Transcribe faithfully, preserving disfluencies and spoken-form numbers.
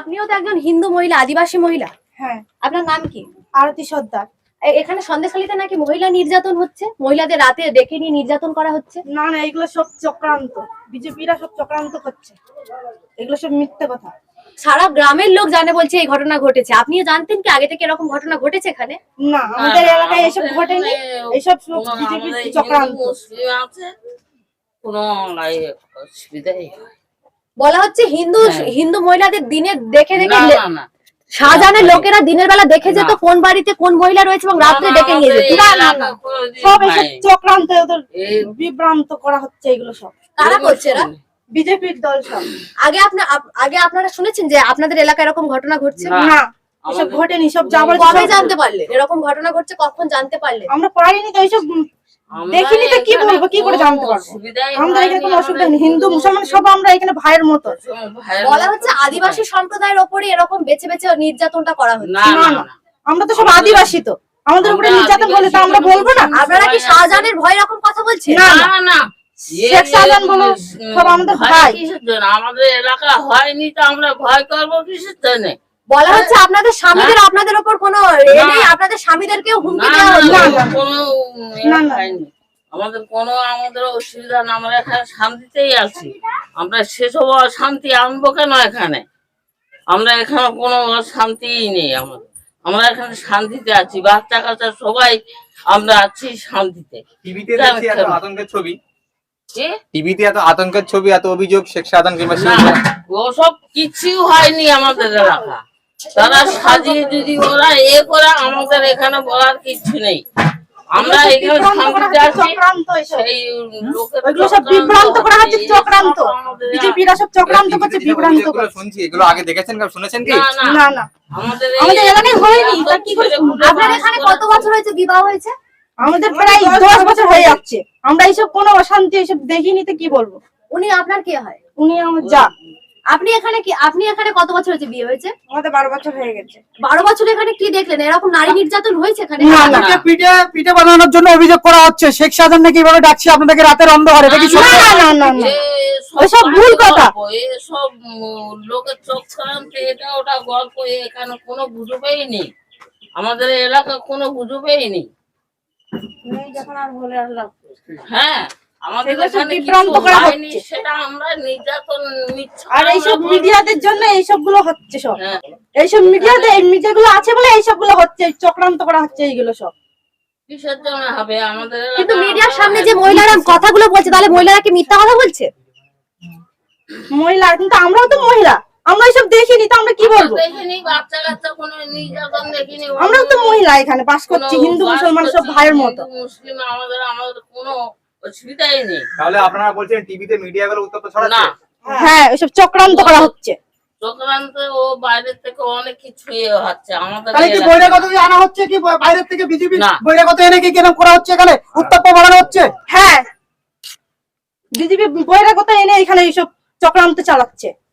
আপনিও তো একজন হিন্দু মহিলা, আদিবাসী মহিলা। হ্যাঁ। আপনার নাম কি? আরতি সর্দার। এখানে সন্দেশখালীতে নাকি মহিলা নির্যাতন হচ্ছে, মহিলাদের রাতে ডেকে নিয়ে নির্যাতন করা হচ্ছে। না না, এগুলো সব চক্রান্ত, বিজেপিরা সব চক্রান্ত করছে, এগুলো সব মিথ্যে কথা। সারা গ্রামের লোক জানে, বলছে এই ঘটনা ঘটেছে। আপনিও জানতেন কি আগে থেকে এরকম ঘটনা ঘটেছে এখানে? না, আমাদের এলাকায় এসব ঘটেনি, এইসব বিজেপির চক্রান্ত। কোনো অসুবিধাই বলা হচ্ছে হিন্দু হিন্দু মহিলাদের দিনে দেখে দেখে না না শাহজাহানের লোকেরা দিনের বেলা দেখে যেত কোন বাড়িতে কোন মহিলা রয়েছে এবং রাত্রে ডেকে নিয়ে যেত। না না না, সব এসব চক্রান্ত, ওদের বিভ্রান্ত করা হচ্ছে। এগুলো সব কারা করছে? এরা বিজেপির দল সব। আগে আপনার আগে আপনারা শুনেছেন যে আপনাদের এলাকায় এরকম ঘটনা ঘটছে? না, এসব ঘটেনি। সব যাবার কবে জানতে পারলেন এরকম ঘটনা ঘটছে? কখন জানতে পারলেন? আমরা পারিনি তো, এইসব দেখিনি তো কি বলবো, কি করে জানতে পারবো? আমাদের এখানে কোনো অসুবিধা নেই, হিন্দু মুসলমান সব আমরা এখানে ভাইয়ের মতো। বলা হচ্ছে আদিবাসী সম্প্রদায়ের ওপরে এরকম বেছে বেছে নির্যাতনটা করা হচ্ছে। না না, আমরা তো সব আদিবাসী, তো আমাদের উপরে নির্যাতন হলে তো আমরা বলবো না? আপনারা কি শাহজাহানের ভয় এরকম কথা বলছেন? না না না, শেখ শাহজাহান বলো সব আমাদের ভাই। আমাদের এলাকা হয়নি তো আমরা ভয় করবো কিসের জন্য? বলা হচ্ছে আপনাদের স্বামীদের আপনাদের উপর কোনো এ নেই, আপনাদের স্বামীদেরকেও হুমকি দেওয়া হচ্ছে। কোনো হয়নি আমাদের, কোনো আমাদের অসুবিধা না। আমরা এখানে শান্তিতেই আছি। আমরা সেসব শান্তি আনবো কেন এখানে? আমরা এখানে কোনো শান্তিই নেই আমাদের। আমরা এখানে শান্তিতে আছি, বাচ্চা কাচ্চা সবাই আমরা আছি শান্তিতে। টিভিতে দেখছি এত আতঙ্কের ছবি, কি টিভিতে এত আতঙ্কের ছবি, এত অভিযোগ শেখ শাহজাহান কিংবা ওসব কিছু হয়নি আমাদের এলাকা। তারা সাজিয়ে যদি ওরা এ করে, আমাদের এখানে বলার কিছু নেই। আমরা এখানে শান্তিতে আছি। সেই ওইগুলো সব বিভ্রান্ত করা হচ্ছে, চক্রান্ত। বিজেপিরা সব চক্রান্ত করছে, বিভ্রান্ত করছে। শুনছি এগুলো আগে দেখেছেন কি শুনেছেন কি? না না, আমাদের আমাদের এলাকায় হয়নি। তা কি করে? আপনার এখানে কত বছর হয়েছে বিবাহ হয়েছে? আমাদের প্রায় দশ বছর হয়ে যাচ্ছে। আমরা এইসব কোনো অশান্তি এইসব দেখিনি তো কি বলবো। উনি আপনার কে হয়? উনি আমার যা। আপনি এখানে কি আপনি এখানে কত বছর হয়েছে বিয়ে হয়েছে? আমাদের বারো বছর হয়ে গেছে। বারো বছর এখানে কি দেখলেন? এরকম নারী নির্যাতন হয়েছে এখানে? না না, পিঠে পিঠে বানানোর জন্য অভিযোগ করা হচ্ছে শেখ শাহজাহান নাকি এভাবে ডাকছে আপনাদেরকে রাতের অন্ধকারে। এটা কি সত্যি? না না না না, ওসব ভুল কথা। এসব লোকের চক্রান্ত, এটা ওটা গল্প। এখানে কোনো গুজবেই নেই, আমাদের এলাকা কোনো গুজবেই নেই। হ্যাঁ, আমাদের এখানে বিভ্রান্ত করা হচ্ছে, সেটা আমরা নির্যাতন নিচ্ছি। আর এইসব মিডিয়াদের জন্য এইসব গুলো হচ্ছে সব। হ্যাঁ, এইসব মিডিয়াতে এই মিডিয়া গুলো আছে বলে এইসব গুলো হচ্ছে, চক্রান্ত করা হচ্ছে এইগুলো সব। কিসের জন্য হবে আমাদের? কিন্তু মিডিয়ার সামনে যে মহিলারা কথাগুলো বলছে, তাহলে মহিলারা কি মিথ্যা কথা বলছে? মহিলা, কিন্তু আমরাও তো মহিলা, আমরা এইসব দেখিনি তো আমরা কি বলবো? দেখিনি, বাচ্চা কাচ্চা কোনো নির্যাতন দেখিনি। আমরাও তো মহিলা, এখানে বাস করছি, হিন্দু মুসলমান সব ভাইয়ের মতো। মুসলিম আমাদের আমাদের কোনো অসুবিধাই নেই। তাহলে আপনারা বলছেন টিভিতে মিডিয়া গুলো উত্তপ্ত ছড়াচ্ছে? না, হ্যাঁ, এসব চক্রান্ত করা হচ্ছে। চক্রান্ত ও বাইরের থেকে অনেক কিছু হচ্ছে আমাদের। তাহলে কি বহিরাগত আনা হচ্ছে, কি বাইরের থেকে বিজেপি না। বহিরাগত এনে কি কেন করা হচ্ছে? এখানে উত্তপ্ত বাড়ানো হচ্ছে। হ্যাঁ, বিজেপি বহিরাগত এনে এখানে এইসব চক্রান্ত চালাচ্ছে।